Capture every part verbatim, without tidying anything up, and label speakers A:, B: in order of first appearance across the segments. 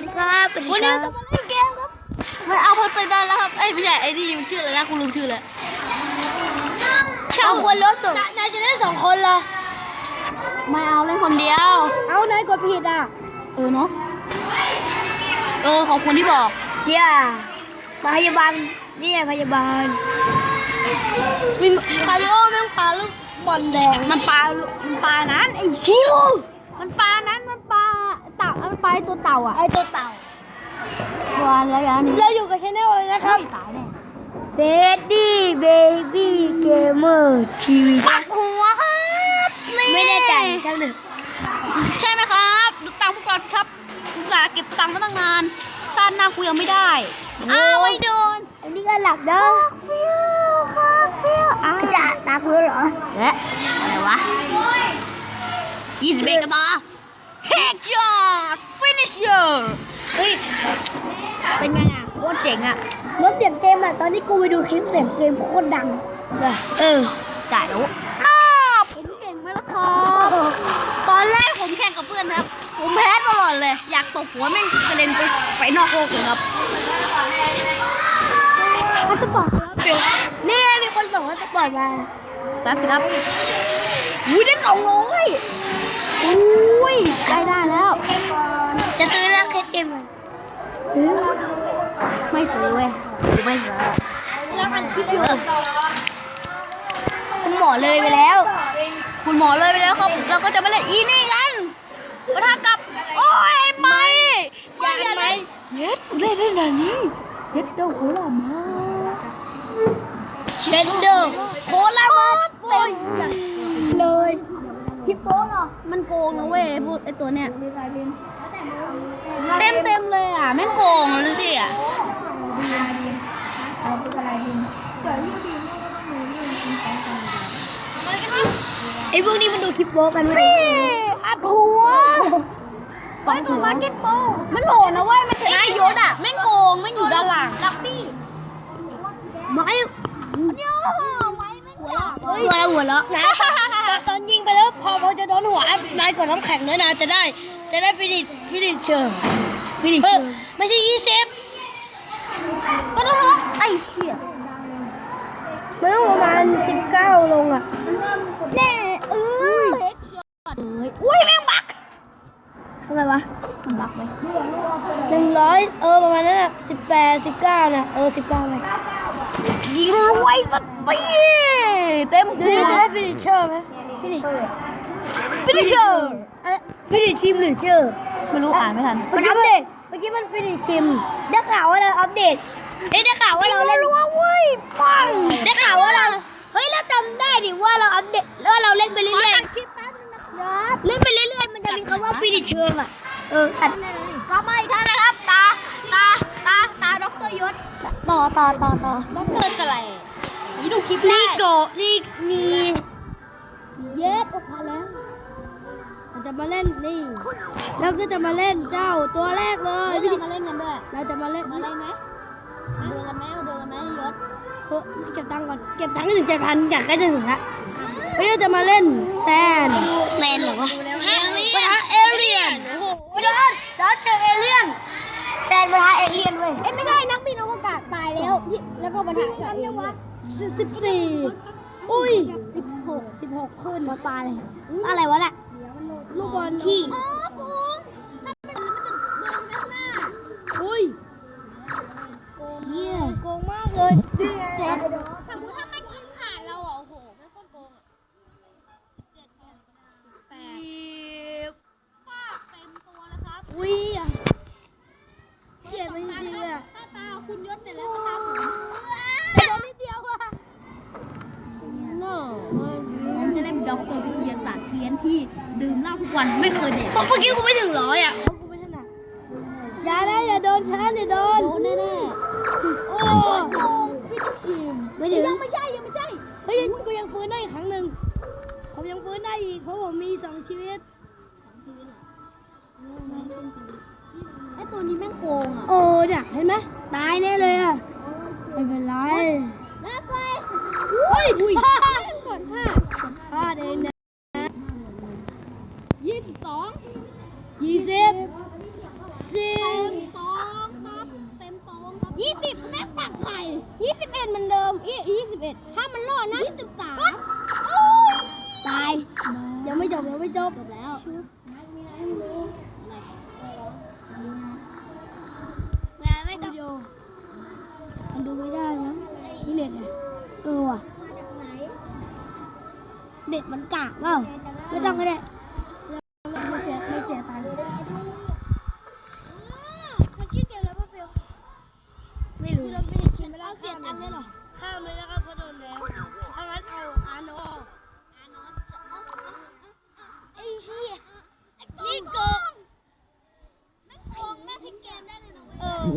A: วัสดีครับสวัสดีครับวันนี้เราจะมาเล่นเกมครับไม่เอาพอไซดอนแล้วครับเอ้ยไม่ใช่ไอ้นี่มันชื่ออะไรนะกูลืมชื่อเลยเอาคนรถส่งนายจะเล่นสองคนเหรอไม่เอาเล่นคนเดียวเอานายกดผิดอ่ะเออเนาะเออขอบคุณที่บอกย่าพยาบาลนี่ไงพยาบาลมีคาริโอแม่งปลาลูกบอลแดงมันปลามันปลานั้นไอ้ชิวมันปลานั้นมันปลาเต่ามันปลาตัวเต่าอ่ะไอตัวเต่าวานอะไรอันนี้เราอยู่กับชแนลเลยนะครับตายแน่เบดดี้เบบี้เกมเมอร์ทีวีปักหัวครับไม่แน่ใจช่างหนึ่งใช่ไหมครับดูตังค์พวกเราสิครับอุตส่าห์เก็บตังค์มาตั้งนานชาติหน้ากูยังไม่ได้อ้าวไม่โดนอันนี้ก็หลับเด้อฟิวครับฟิวอ้าวจะตาพื้นเหรอเอ๊ะอะไรวะยี่สิบเอ็ดกระบอกเฮกช็อตฟินิชเชอร์เฮ้ยเป็นไงอ่ะโคตรเจ๋งอ่ะรถเสียงเกมอ่ะตอนที่กูไปดูคลิปเสียงเกมโคตรดังเลยเออจ่ายแล้วอ้าผมเก่งไหมล่ะครับตอนแรกผมแข่งกับเพื่อนครับผมแพ้ตลอดเลยอยากตบหัวแม่งกระเด็นไปไปนอกโลกเลยครับมาสปอร์ตครับนี่มีคนส่งมาสปอร์ตมาแป๊บสิครับอุ้ยได้สองร้อยอุ้ยได้ได้แล้วจะซื้อแล้วเคสเกมเลยไม่ซื้อเว้ยไม่ซื้อแล้วมันคิดอยู่คุณหมอเลยไปแล้วคุณหมอเลยไปแล้วครับเราก็จะมาเล่นอีนี่กันปะทะกับโอ้ยไม่อย่าไหมเย็ดเล่นได้ไหนนี่เย็ดโดโคลามาเชนเดอร์โคลามาเต็มเลยคิปโป้เหรอมันโกงนะเว้ยพูดไอตัวเนี้ยเต็มเต็มเลยอ่ะแม่งโกงเลยสิอ่ะไอพวกนี้มันดูคิปโป้กันไหมอัดหัวไปตัวมาเก็ตโป้มันโหดนะเว้ยมันชนะยศอ่ะแม่งโกงแม่งอยู่ด้านหลังลับบี้ไม่เยอะไม่ไม่หัวเราะหัวเราะหัวเราะตอนยิงไปแล้วพอพอจะโดนหัวนายกดน้ำแข็งด้วยนะจะได้จะได้ฟินิชฟินิชเชอร์ฟินิชเชอร์ไม่ใช่ยี่สิบก็ต้องไอ้เชี่ยมันต้องประมาณสิบเก้าลงอ่ะแน่เออเฮ็กช็อตเลยอุ้ยแม่งบักทำไมวะมันบักไหมหนึ่งร้อยเออประมาณนั้นอ่ะสิบแปดสิบเก้านะเออสิบเก้าเลยยิงรวยสักปีเต็มหัวได้ฟินิชเชอร์ไหมฟินิชฟินิชเชอร์ฟินิชชิมหรือเชอร์ไม่รู้อ่านไม่ทันมันอัปเดตเมื่อกี้มันฟินิชชิมได้ข่าวว่าเราอัปเดตเอ้ได้ข่าวว่าเราเล่นรัวเว้ยปังได้ข่าวว่าเราเฮ้ยเราจำได้ดิว่าเราอัปเดตแล้วเราเล่นไปเรื่อยๆคลิปแป๊บนึงนะครับเล่นไปเรื่อยๆมันจะมีคำว่าฟินิชเชอร์อ่ะเอออัดก็ไม่ทันนะครับตาตาตาตาด็อกเตอร์ยศต่อต่อต่อต่อด็อกเตอร์สไลด์นี่ดูคลิปนี่โกนี่มีเย็ดออกมาแล้วเราจะมาเล่นนี่เราก็จะมาเล่นเจ้าตัวแรกเลยเรามาเล่นกันด้วยเราจะมาเล่นมาเล่นไหมดูกันไหมดูกันไหมยศเก็บตังค์ก่อนเก็บตังค์ให้ถึงเจ็ดพันอยากใกล้จะถึงละวันนี้เราจะมาเล่นแซนแซนเหรอวะเอเลียนเอเลียนโอ้โหยศเราเจอเอเลียนแซนมาหาเอเลียนเว้ยเอ้ไม่ใช่นักบินอวกาศตายแล้วที่แล้วก็มาถ่ายกับเอเลียนสิบสี่อุ้ยสิบหกสิบหกขึ้นมาปลาเลยอะไรวะน่ะลูกบอลขี้อ๋อโกงถ้าเป็นมันจะเดินไปข้างหน้าอุ้ยโกงเหี้ยโกงมากเลยสิบเจ็ดสมมติถ้ามันยิงผ่านเราอ่ะโอ้โหไม่โคตรโกงอ่ะสิบเจ็ดแปดป้าเต็มตัวแล้วครับอุ้ยเสียไปจริงๆอ่ะตาตาคุณยศเสร็จแล้วก็ตาผมแต่โดนนิดเดียวอ่ะผมจะเล่นด็อกเตอร์วิทยาศาสตร์เพี้ยนที่ดื่มเหล้าทุกวันไม่เคยเด็กเมื่อกี้กูไม่ถึงร้อยอ่ะกูไม่ถนัดอย่าได้อย่าโดนฉันอย่าโดนโดนแน่แน่โอ้โหฟิชชิมไม่ถึงยังไม่ใช่ยังไม่ใช่เฮ้ยกูยังฟื้นได้อีกครั้งหนึ่งผมยังฟื้นได้อีกเพราะผมมีสองชีวิตไอตัวนี้แม่งโกงอ่ะโอ้เนี่ยเห็นไหมตายแน่เลยอ่ะไม่เป็นไรรับเลยอุ้ยอุ้ยก่อนห้าห้าเดนนะยี่สิบสองยี่สิบสิบยี่สิบแม่ตักไข่ยี่สิบเอ็ดเหมือนเดิมยี่ยี่สิบเอ็ดถ้ามันรอดนะยี่สิบสามตายยังไม่จบยังไม่จบแล้วแม่ไม่ต้องมันดูไม่ได้นะนี่เน็ตไงเออว่ะเน็ตมันกากเปล่าไม่ต้องก็ได้ไม่เสียไม่เสียตังค์มันชื่อเกมแล้วป่ะเปียวไม่รู้เราไม่ได้ชิมไม่ได้เสียตังค์เลยหรอข้ามเลยนะครับเพราะโดนแล้วถ้างั้นเอาอาโนอาโนไอ้เหี้ยนี่โกงไม่โกงแม่พลิกเกมได้เลยนะเออ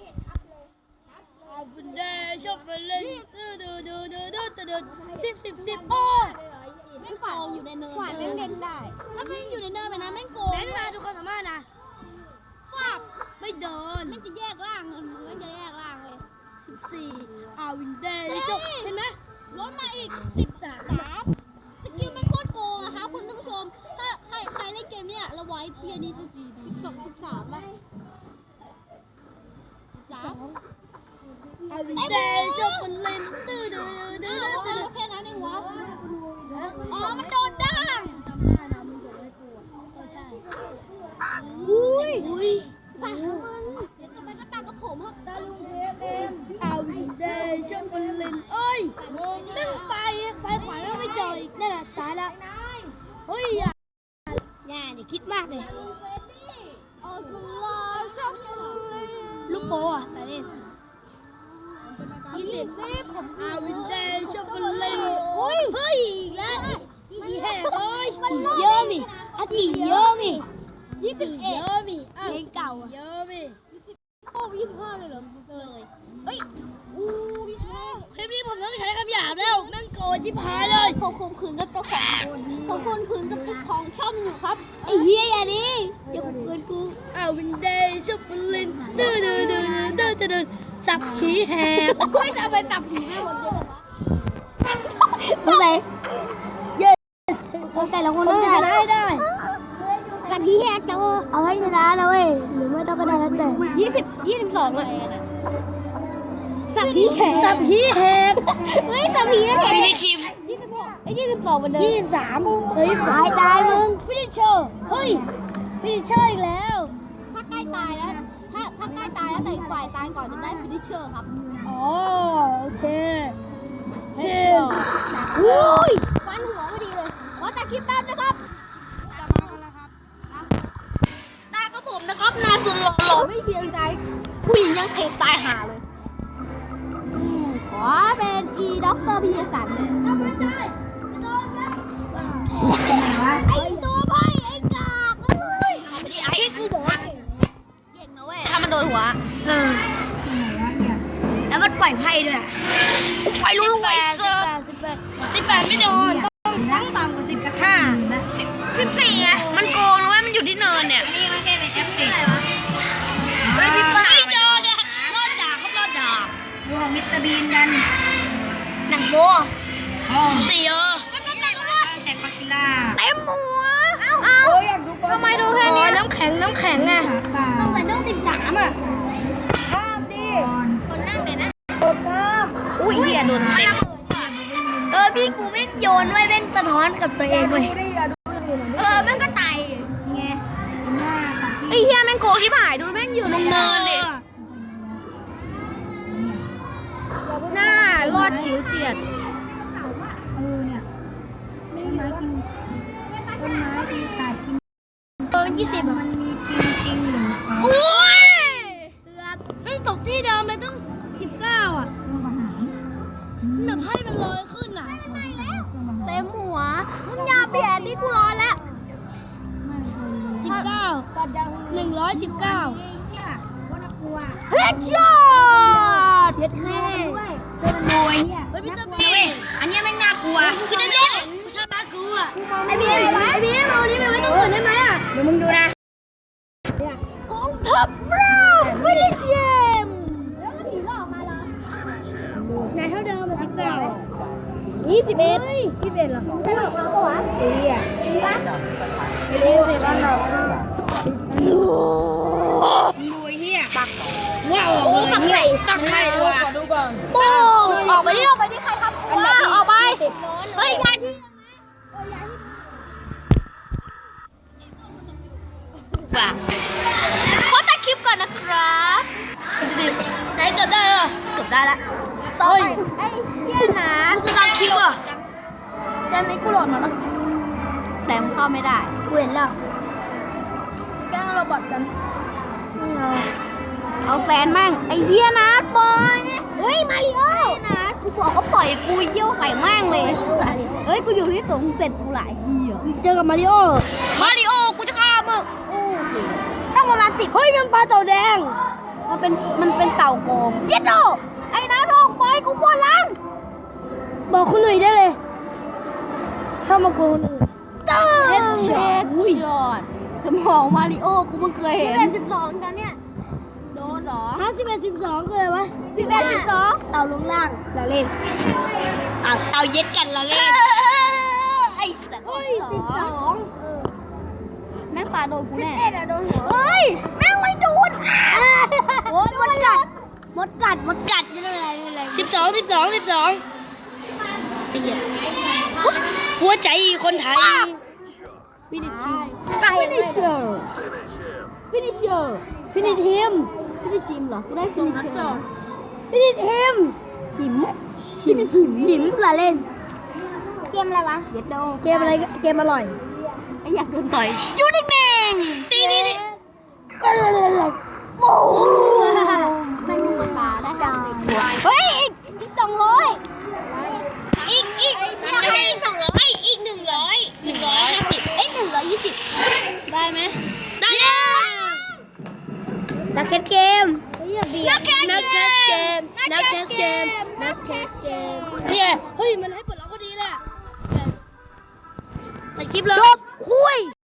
A: เอาบุญได้ชอบไปเล่นดูดูดูดูดูดูสิบสิบสิบโอ้แม่งโกงอยู่ในเนินขวานแม่งเล่นได้ถ้าแม่งอยู่ในเนินไปนะแม่งโกงเล่นมาทุกคนสามารถนะฟาบไม่โดนแม่งจะแยกล่างแม่งจะแยกล่างเลยสิบสี่อาวินเดย์จบเห็นไหมลดมาอีกสิบสามสกิลแม่งโคตรโกงอะคะคุณผู้ชมถ้าใครใครเล่นเกมเนี้ยเราไว้ที่อันนี้สักทีสิบสองสิบสามป่ะสามอาวินเดย์จบคนเล่นตื้อดื้อดื้อดื้อแค่นั้นเองวะอ๋อมันโดนด่างจำได้นะมึงโดนไล่กูอ่ะใช่อุ้ยอุ้ยตามันเดี๋ยวทำไมก็ตากับผมครับตาลุงเอฟเอ็มอาวินเดย์ชอบคนเล่นเอ้ยนั่งไปไปขวาแล้วไม่เจออีกนั่นแหละตายแล้วเฮ้ยอย่าอย่าเดี๋ยวคิดมากเลยลูกโป้อะตาเล่นยี่สิบผมอาวินเดย์ชอบคนเล่นเฮ้ยเฮ้ยอีกแล้วอีแห่เฮ้ยเยอะมิอาทิเยอะมิยี่สิบเอ็ดเยอะมิเพลงเก่าเยอะมิยี่สิบโอ้ยี่สิบห้าเลยเหรอเลยเฮ้ยอู้ยี่สิบห้าคลิปนี้ผมต้องใช้คำหยาบแล้วแม่งโกรธชิบหายเลยผมข่มขืนกับเจ้าของผมข่มขืนกับเจ้าของช่องอยู่ครับไอ้เหี้ยอย่าดิเดี๋ยวข่มขืนกูอาวินเดย์ชอบคนเล่นดื้อดื้อดื้อดื้อดื้อสับผีแหกคุยจะไปสับผีไม่หมดเลยสุดเลยเยอะแต่ละคนต้องชนะให้ได้สับผีแหกจังเอาให้ชนะนะเว้ยหรือไม่ต้องก็ได้แล้วแต่ยี่สิบยี่สิบสองเลยสับผีแหกสับผีแหกเฮ้ยสับผีแหกฟินิชิมยี่สิบหกไอ้ยี่สิบสองเหมือนเดิมยี่สิบสามเฮ้ยตายตายมึงฟินิชเชอร์เฮ้ยฟินิชเชอร์อีกแล้วถ้าใกล้ตายแล้วถ้าถ้าใกล้ตายแล้วแต่อีกฝ่ายตายก่อนจะได้ฟินิชเชอร์ครับอ๋อโอเคเชอร์อุ้ยฟันหัวพอดีเลยขอตัดคลิปแป๊บนะครับจะมากันแล้วครับตาก็ผมนะครับนาสุดหล่อหล่อไม่เพียงใจผู้หญิงยังเทตายหาเลยขอเป็นอีด็อกเตอร์พีสันทำไม่ได้โดนนะไอ้ตัวไพ่ไอ้กากเฮ้ยเอาไปดิไอ้กูบอกว่าเก่งนะเว้ยถ้ามันโดนหัวเออแล้วมันปล่อยไพ่ด้วยกูไปรู้ไว้เซอร์สิบแปดไม่โดนต้องต่ำกว่าสิบห้าสิบสี่ไงมันโกงนะเว้ยมันอยู่ที่เนินเนี่ยนี่มันแค่เป็นแอปติกอะไรวะไม่โดนอะรอดด่าเขารอดด่าดูของมิสเตอร์บีนกันหนังโบสี่เออมันก็แต่งว่าแต่งปากิล่าเต็มหัวเอ้าทำไมดูแค่นี้น้ำแข็งน้ำแข็งอะต้องใส่ต้องสิบสามอะข้ามดิคนนั่งเลยนะข้ามอุ้ยเหี้ยโดนเต็มเออพี่กูแม่งโยนไว้แม่งสะท้อนกับตัวเองเลยเออแม่งก็ตายไงไอ้เหี้ยแม่งโกที่ผ่ายดูแม่งอยู่ตรงเนินเลยหน้ารอดฉิวเฉียดเออเนี่ยต้นไม้กินต้นไม้กินตัดกินเออยี่สิบมันมีจริงจริงหรือโอ้ยเกือบแม่งตกที่เดิมเลยต้องสิบเก้าอ่ะแบบให้มันลอยขึ้นอ่ะเต็มหัวมึงอย่าเปลี่ยนที่กูรอแล้วสิบเก้าหนึ่งร้อยสิบเก้าเฮดช็อตเย็ดแค่เป็นมวยเฮ้ยพี่ตะบีอันนี้แม่งน่ากลัวกูจะเล่นกูชอบน่ากลัวไอ้พี่ไอ้พี่เอานี้ไปไว้ตรงอื่นได้ไหมอ่ะเดี๋ยวมึงดูนะของทัพเราไม่ได้เชียมแล้วก็ผีหลอกมาละไหนเท่าเดิมมาสิบเก้ายี่สิบเอ็ดยี่สิบเอ็ดเหรอไม่หลอกเราปะวะดีอ่ะดีปะไม่รู้สิบ้านเรารวยเฮียปักว้าวโอ้ปักไข่ตักใครวะ
B: ขอดูก่อน
A: ปูออกไปดิออกไปดิใครทำกูวะออกไปเฮ้ยย้ายที่ว่ะขอตัดคลิปก่อนนะครับไหนเกือบได้เหรอเกือบได้ละต่อไปไอ้เหี้ยนะกูตัดคลิปอ่ะเกมนี้กูโหลดมาแล้วแต่มันเข้าไม่ได้กูเห็นแล้วแกล้งเราบอทกันเอาแฟนมั่งไอ้เหี้ยนะปล่อยเฮ้ยมาริโอนะกูบอกก็ปล่อยกูเยี่ยวใส่แม่งเลยเฮ้ยกูอยู่ที่สูงเสร็จกูหลายเหี้ยเจอกับมาริโอมาริโอกูจะฆ่ามึงต้องประมาณสิบเฮ้ยมันปลาเต่าแดงมันเป็นมันเป็นเต่าโกงเย็ดโตไอ้นะโดนปล่อยกูปวดหลังบอกคนอื่นได้เลยชอบมาโกงคนอื่นเจ้าเฮ็ดช็อตสมองมาริโอกูเพิ่งเคยเห็นเป็นสิบสองกันเนี่ยโดนสองห้าสิบเอ็ดสิบสองเคยวะสิบเอ็ดสิบสองเต่าลงล่างเราเล่นเต่าเต่าเย็ดกันเราเล่นไอ้สัตว์เฮ้ยสิบสองแม่งปลาโดนกูแน่สิบเอ็ดอะโดนหัวเฮ้ยแม่งไม่โดนโอ้ยมดกัดมดกัดมดกัดนี่อะไรนี่อะไรสิบสองสิบสองสิบสองไอ้เหี้ยหัวใจคนไทยฟินิชชิฟินิชเชอร์ฟินิชเชอร์ฟินิชฮิมฟินิชฮิมเหรอกูได้ฟินิชเชอร์ฟินิชฮิมหิมหิมหิมละเล่นเกมอะไรวะเย็ดโดเกมอะไรเกมอร่อยไอ้อยากโดนต่อยยูนิเมงตีนี่นี่โอ้ไม่มีคนมาได้จังเฮ้ยอีกอีกสองร้อยอีกอีกไม่ใช่อีกสองร้อยอีกหนึ่งร้อยหนึ่งร้อยห้าสิบเอ้ยหนึ่งร้อยยี่สิบได้ไหมได้แล้วนักแคสเกมนักแคสเกมนักแคสเกมนักแคสเกมเนี่ยเฮ้ยมันให้เปิดล็อกพอดีเลยตัดคลิปเลยจบคุย